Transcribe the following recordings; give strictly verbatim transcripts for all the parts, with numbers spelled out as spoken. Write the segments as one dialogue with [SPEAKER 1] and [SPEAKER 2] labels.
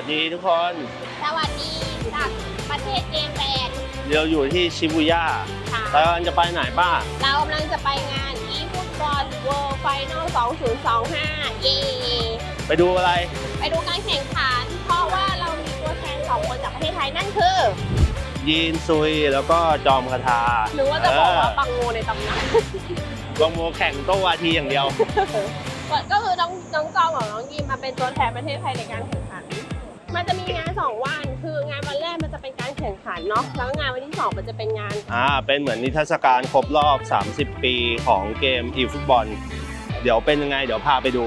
[SPEAKER 1] วัสดีทุกคน
[SPEAKER 2] สวัสดีจากประเทศเจแปน
[SPEAKER 1] เราอยู่ที่ชิบูย่าแล้วจะไปไหนบ้าง
[SPEAKER 2] เรากำลังจะไปงานอีฟุตบอลเวิลด์ไฟนอลสองพันยี่สิบห้าเย่
[SPEAKER 1] ไปดูอะไร
[SPEAKER 2] ไปดูการแข่งขันเพราะว่าเรามีตัวแทนสองคนจากประเทศไทยนั่นคือ
[SPEAKER 1] ยีนซุยแล้วก็จอมคาทา
[SPEAKER 2] หรือว่าจะบอกว่าปังโมในตำนาน
[SPEAKER 1] ปังโมแข่งโต้วาทีอย่างเดียว
[SPEAKER 2] ก็คือน้องน้องจอมกับน้องยีนมาเป็นตัวแทนประเทศไทยในการแข่งขันมันจะมีงานสองวันคืองานวันแรกมันจะเป็นการแข่งขันเนาะแล้วงานวันที่สองมันจะเป็นงาน
[SPEAKER 1] อ่าเป็นเหมือนนิทรรศการครบรอบสามสิบปีของเกมอีฟุตบอลเดี๋ยวเป็นยังไงเดี๋ยวพาไปดู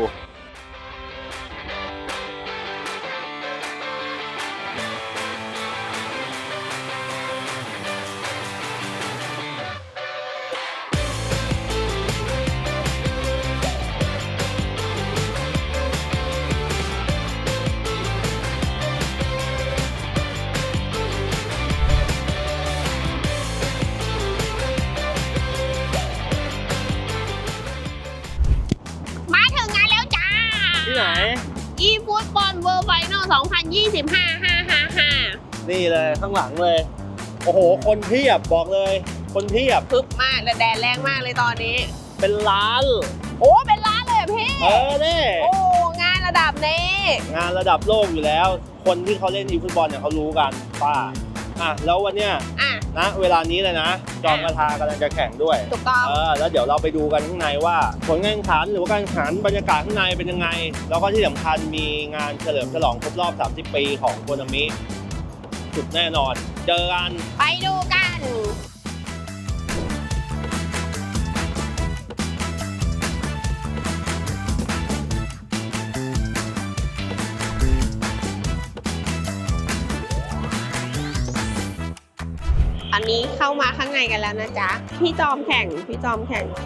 [SPEAKER 1] ที่ไหน
[SPEAKER 2] อีฟุตบอลเวิลด์ไฟนอลสองพันยี่สิบห้า ห้า ห้า ห้า
[SPEAKER 1] นี่เลยข้างหลังเลยโอ้โหคนเพียบบอกเลยคนเพียบ
[SPEAKER 2] คึกมากและแดดแรงมากเลยตอนนี้
[SPEAKER 1] เป็นล้าน
[SPEAKER 2] โอ้เป็นล้านเลยพี่
[SPEAKER 1] เออเนี่ย
[SPEAKER 2] โอ้งานระดับนี้
[SPEAKER 1] งานระดับโลกอยู่แล้วคนที่เขาเล่นอีฟุตบอลเนี่ยเขารู้กันป้าอ่ะแล้ววันเนี้ยนะเวลานี้เลยนะจอมคาทากำลังจะแข่งด้วย
[SPEAKER 2] ถูกต้อง
[SPEAKER 1] เออแล้วเดี๋ยวเราไปดูกันข้างในว่าผลการแข่งขันหรือว่าการแข่งขันบรรยากาศข้างในเป็นยังไงแล้วก็ที่สำคัญมีงานเฉลิมฉลองครบรอบสามสิบปีของโคนามิสุดแน่นอนเจอกัน
[SPEAKER 2] ไปดูกันอันนี้เข้ามาข้างในกันแล้วนะจ๊ะพี่จอมแข่งพี่จอมแข่ง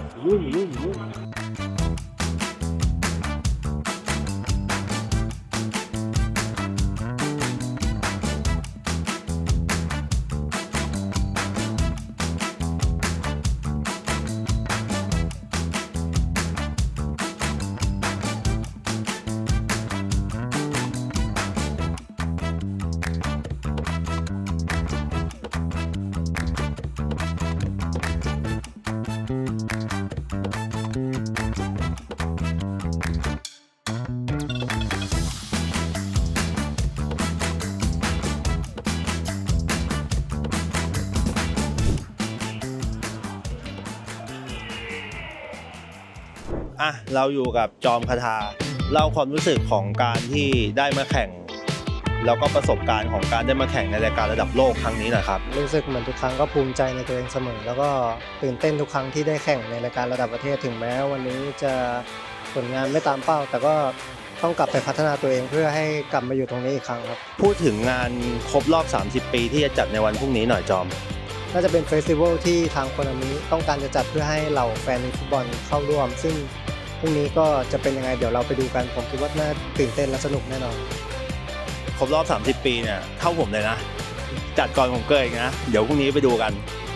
[SPEAKER 1] อ่ะเราอยู่กับจอมคาทาเล่าความรู้สึกของการที่ได้มาแข่งแล้วก็ประสบการณ์ของการได้มาแข่งในรายการระดับโลกครั้งนี้นะครับ
[SPEAKER 3] รู้สึกเหมือนทุกครั้งก็ภูมิใจในตัวเองเสมอแล้วก็ตื่นเต้นทุกครั้งที่ได้แข่งในรายการระดับประเทศถึงแม้วันนี้จะผลงานไม่ตามเป้าแต่ก็ต้องกลับไปพัฒนาตัวเองเพื่อให้กลับมาอยู่ตรงนี้อีกครั้งครับ
[SPEAKER 1] พูดถึงงานครบรอบสามสิบปีที่จะจัดในวันพรุ่งนี้หน่อยจอม
[SPEAKER 3] น่าจะเป็นเฟสติวัลที่ทางโคนามิต้องการจะจัดเพื่อให้เหล่าแฟนฟุตบอลเข้าร่วมซึ่งพรุ่งนี้ก็จะเป็นยังไงเดี๋ยวเราไปดูกันผมคิดว่าน่าตื่นเต้นและสนุกแน่นอน
[SPEAKER 1] ครบรอบสามสิบปีเนี่ยเท่าผมเลยนะจัดก่อนผมเกิดอีกนะเดี๋ยวพรุ่งนี้ไปดูกัน